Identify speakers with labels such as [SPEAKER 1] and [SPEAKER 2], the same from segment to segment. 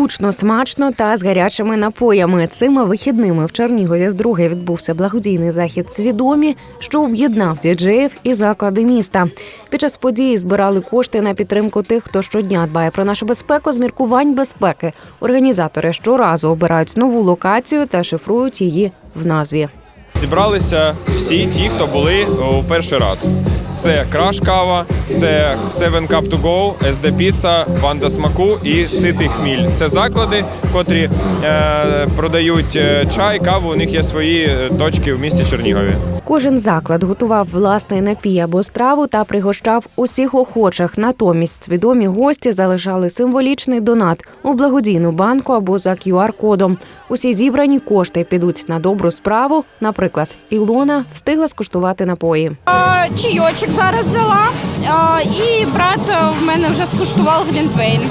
[SPEAKER 1] Гучно, смачно та з гарячими напоями. Цими вихідними в Чернігові вдруге відбувся благодійний захід «Свідомі», що об'єднав діджеїв і заклади міста. Під час події збирали кошти на підтримку тих, хто щодня дбає про нашу безпеку з міркувань безпеки. Організатори щоразу обирають нову локацію та шифрують її в назві.
[SPEAKER 2] Зібралися всі ті, хто були у перший раз. Це Краш Кава, це Seven Cup to Go, SD Pizza, Банда Смаку і Ситий Хміль. Це заклади, котрі продають чай, каву, у них є свої точки в місті Чернігові.
[SPEAKER 1] Кожен заклад готував власний напій або страву та пригощав усіх охочих. Натомість свідомі гості залишали символічний донат у благодійну банку або за QR-кодом. Усі зібрані кошти підуть на добру справу. Наприклад, Ілона встигла скуштувати напої.
[SPEAKER 3] Чайочок зараз взяла, і брат в мене вже скуштував глінтвейн.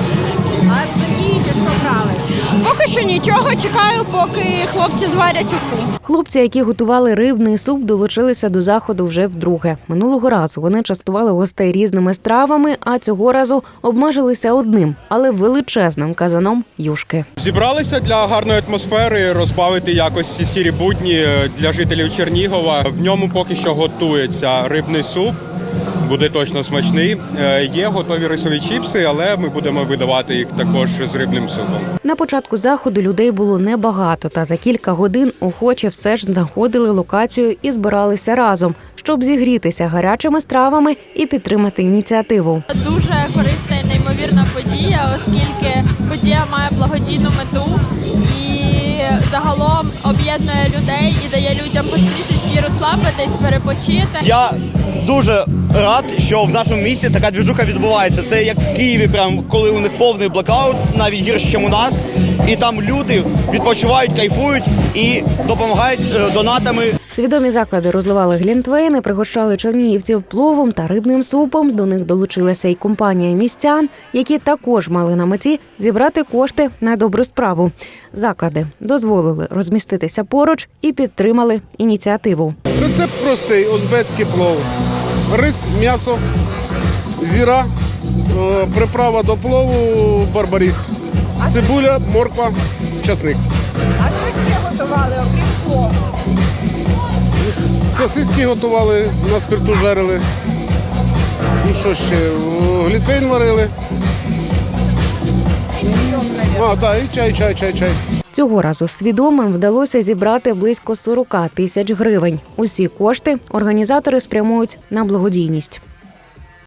[SPEAKER 4] А з їжі що брали?
[SPEAKER 3] Поки що нічого, чекаю, поки хлопці зварять уху.
[SPEAKER 1] Хлопці, які готували рибний суп, долучилися до заходу вже вдруге. Минулого разу вони частували гостей різними стравами, а цього разу обмежилися одним, але величезним казаном юшки.
[SPEAKER 5] Зібралися для гарної атмосфери, розбавити якось ці сірі будні для жителів Чернігова. В ньому поки що готується рибний суп. Буде точно смачний. Є готові рисові чіпси, але ми будемо видавати їх також з рибним супом.
[SPEAKER 1] На початку заходу людей було небагато, та за кілька годин охочі все ж знаходили локацію і збиралися разом, щоб зігрітися гарячими стравами і підтримати ініціативу.
[SPEAKER 6] Дуже корисна і неймовірна подія, оскільки подія має благодійну мету і загалом об'єднує людей і дає людям хоч трішечки розслабитись, перепочити.
[SPEAKER 7] Я дуже рад, що в нашому місті така двіжуха відбувається. Це як в Києві, прям коли у них повний блокаут, навіть гірше, ніж у нас. І там люди відпочивають, кайфують і допомагають донатами.
[SPEAKER 1] Свідомі заклади розливали глінтвейни, пригощали чернігівців пловом та рибним супом. До них долучилася й компанія містян, які також мали на меті зібрати кошти на добру справу. Заклади дозволили розміститися поруч і підтримали ініціативу.
[SPEAKER 8] Рецепт простий – узбецький плов. Рис, м'ясо, зіра, приправа до плову барбаріс, цибуля, морква, часник.
[SPEAKER 4] А що ще готували, окрім плову?
[SPEAKER 8] Сосиски готували, на спирту жарили. Ну що ще, глінтвейн варили. І чай.
[SPEAKER 1] Цього разу свідомим вдалося зібрати близько 40 тисяч гривень. Усі кошти організатори спрямують на благодійність.